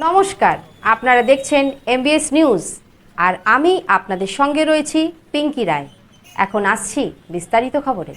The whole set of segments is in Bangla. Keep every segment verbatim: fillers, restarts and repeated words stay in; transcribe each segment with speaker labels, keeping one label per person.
Speaker 1: নমস্কার, আপনারা দেখছেন এমবিএস নিউজ আর আমি আপনাদের সঙ্গে রয়েছি পিঙ্কি রায়। এখন আসছি বিস্তারিত খবরে।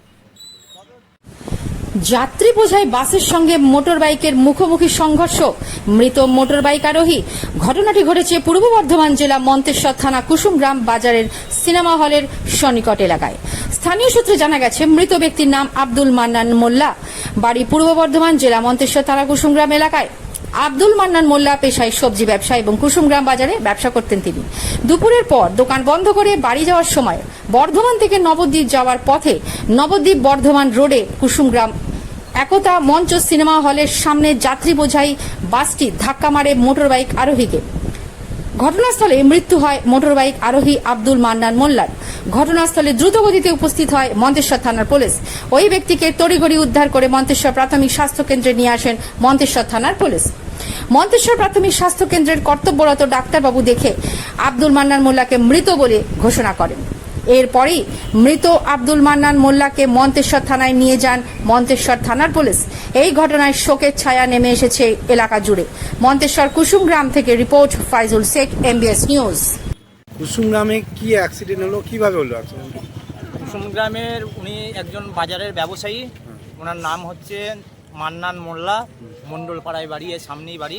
Speaker 1: যাত্রী বোঝাই বাসের সঙ্গে মোটর বাইকের মুখোমুখি সংঘর্ষ, মৃত মোটর বাইক আরোহী। ঘটনাটি ঘটেছে পূর্ব বর্ধমান জেলা মন্তেশ্বর থানা কুসুমগ্রাম বাজারের সিনেমা হলের সন্নিকট এলাকায়। স্থানীয় সূত্রে জানা গেছে, মৃত ব্যক্তির নাম আব্দুল মান্নান মোল্লা, বাড়ি পূর্ব বর্ধমান জেলা মন্তেশ্বর থানা কুসুমগ্রাম এলাকায়। আব্দুল মান্নান মোল্লা পেশায় সবজি ব্যবসা এবং কুসুমগ্রাম বাজারে ব্যবসা করতেন তিনি। দুপুরের পর দোকান বন্ধ করে বাড়ি যাওয়ার সময় বর্ধমান থেকে নবদ্বীপ যাওয়ার পথে নবদ্বীপ বর্ধমান রোডে কুসুমগ্রাম একতা মঞ্চ সিনেমা হলের সামনে যাত্রী বোঝাই বাসটি ধাক্কা মারে মোটরবাইক আরোহীকে। ঘটনাস্থলে মৃত্যু হয় মোটরবাইক আরোহী আব্দুল মান্নান মোল্লার। ঘটনাস্থলে দ্রুতগতিতে উপস্থিত হয় মন্তেশ্বর থানার পুলিশ। ওই ব্যক্তিকে তড়িঘড়ি উদ্ধার করে মন্তেশ্বর প্রাথমিক স্বাস্থ্য কেন্দ্রে নিয়ে আসেন মন্তেশ্বর থানার পুলিশ। মন্তেশ্বর প্রাথমিক স্বাস্থ্য কেন্দ্রের কর্তব্যরত ডাক্তারবাবু দেখে আব্দুল মান্নান মোল্লাকে মৃত বলে ঘোষণা করেন। এরপরই মৃত আব্দুল মান্নান মোল্লাকে মন্তেশ্বর থানায় নিয়ে যান মন্তেশ্বর থানার পুলিশ। এই ঘটনায় শোকের ছায়া নেমে এসেছে এলাকা জুড়ে। মন্তেশ্বর কুসুমগ্রাম থেকে report Faizul Sheikh, MBS news.
Speaker 2: কুসুমগ্রামে কি অ্যাক্সিডেন্ট হলো, কিভাবে হলো অ্যাক্সিডেন্ট?
Speaker 3: কুসুমগ্রামের উনি একজন বাজারের ব্যবসায়ী, ওনার নাম হচ্ছে মান্নান মোল্লা, মণ্ডলপাড়ায় বাড়ি, এর সামনেই বাড়ি।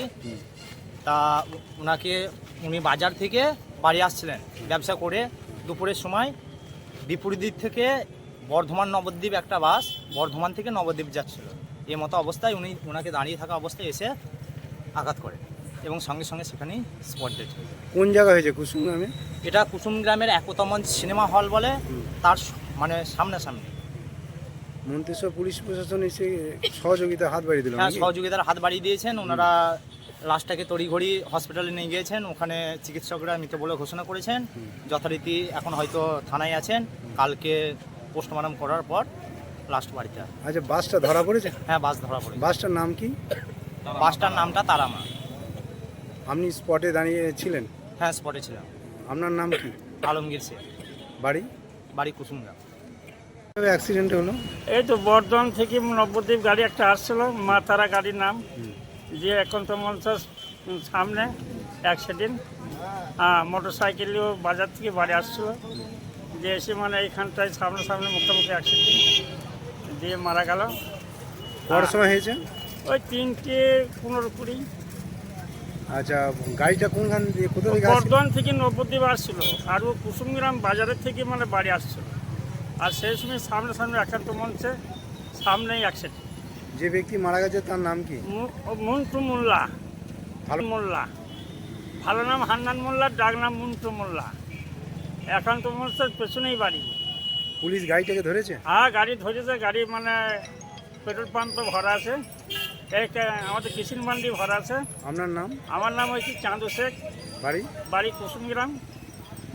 Speaker 3: তা ওনাকে উনি বাজার থেকে বাড়ি আসছিলেন ব্যবসা করে। দুপুরের সময় বিপরীত দিক থেকে বর্ধমান নবদ্বীপ একটা বাস বর্ধমান থেকে নবদ্বীপ যাচ্ছিল। এই মতো অবস্থায় উনি ওনাকে দাঁড়িয়ে থাকা অবস্থায় এসে আঘাত করে এবং সঙ্গে সঙ্গে সেখানেই স্পট ডেথ হয়ে যায়।
Speaker 2: কোন জায়গা হয়েছে কুসুমগ্রামে?
Speaker 3: এটা কুসুমগ্রামের একতা মঞ্চ সিনেমা হল বলে, তার মানে সামনাসামনি।
Speaker 2: মন্তেশ্বর পুলিশ প্রশাসন এসে সহযোগিতা হাত বাড়িয়ে দিল?
Speaker 3: হ্যাঁ, সহযোগিতার হাত বাড়িয়ে দিয়েছেন। ওনারা লাশটাকে তড়িঘড়ি হসপিটালে নিয়ে গিয়েছেন। ওখানে চিকিৎসকরা মৃত বলে ঘোষণা করেছেন। যথারীতি এখন হয়তো থানায় আছেন, কালকে পোস্টমর্টম করার পর লাস্ট বাড়িতে।
Speaker 2: আচ্ছা, বাসটা ধরা পড়েছে?
Speaker 3: হ্যাঁ, বাস ধরা পড়েছে।
Speaker 2: বাসটার নাম কি?
Speaker 3: বাসটার নামটা তারামা।
Speaker 2: আপনি স্পটে দাঁড়িয়ে ছিলেন?
Speaker 3: হ্যাঁ, স্পটে ছিলাম।
Speaker 2: আপনার নাম কি?
Speaker 3: আলমগীর শেখ।
Speaker 2: বাড়ি?
Speaker 3: বাড়ি কুসুমগ্রাম।
Speaker 2: কিভাবে অ্যাক্সিডেন্ট হলো?
Speaker 4: এই তো বর্ধমান থেকে নবদ্বীপ গাড়ি একটা আসছিল, মা তারা গাড়ির নাম, যে এখন তো মঞ্চের সামনে অ্যাক্সিডেন্ট। হ্যাঁ, মোটর সাইকেলেও বাজার থেকে বাড়ি আসছিল, যে এসে মানে এইখানটায় সামনে সামনে মুখোমুখি অ্যাক্সিডেন্ট দিয়ে মারা গেল।
Speaker 2: কটার সময় হয়েছে? ওই
Speaker 4: তিনটে পনেরো কুড়ি।
Speaker 2: আচ্ছা, গাড়িটা কোনখান দিয়ে, কোথা থেকে?
Speaker 4: বর্ধমান থেকে নবদ্বীপ আসছিল, আর ও কুসুমগ্রাম বাজারের থেকে মানে বাড়ি আসছিল। আর সেই সময় সামনে সামনে একান্ত মঞ্চে সামনেই অ্যাক্সিডেন্ট।
Speaker 2: যে ব্যক্তি মারা গেছে তার নাম কি?
Speaker 4: মন্টু মোল্লা।
Speaker 2: ভালো
Speaker 4: মোল্লা, ভালো নাম হান্নান মোল্লা, ডাক নাম মন্টু মোল্লা। একান্ত মঞ্চের পেছনেই বাড়ি।
Speaker 2: পুলিশ গাড়িটাকে ধরেছে?
Speaker 4: হ্যাঁ, গাড়ি ধরেছে। গাড়ি মানে পেট্রোল পাম্পে ভরা আছে, এক আমাদের কিষিন মান্ডি ভরা আছে।
Speaker 2: আপনার নাম?
Speaker 4: আমার নাম হচ্ছে চাঁদু শেখ,
Speaker 2: বাড়ি?
Speaker 4: বাড়ি কুসুমগ্রাম।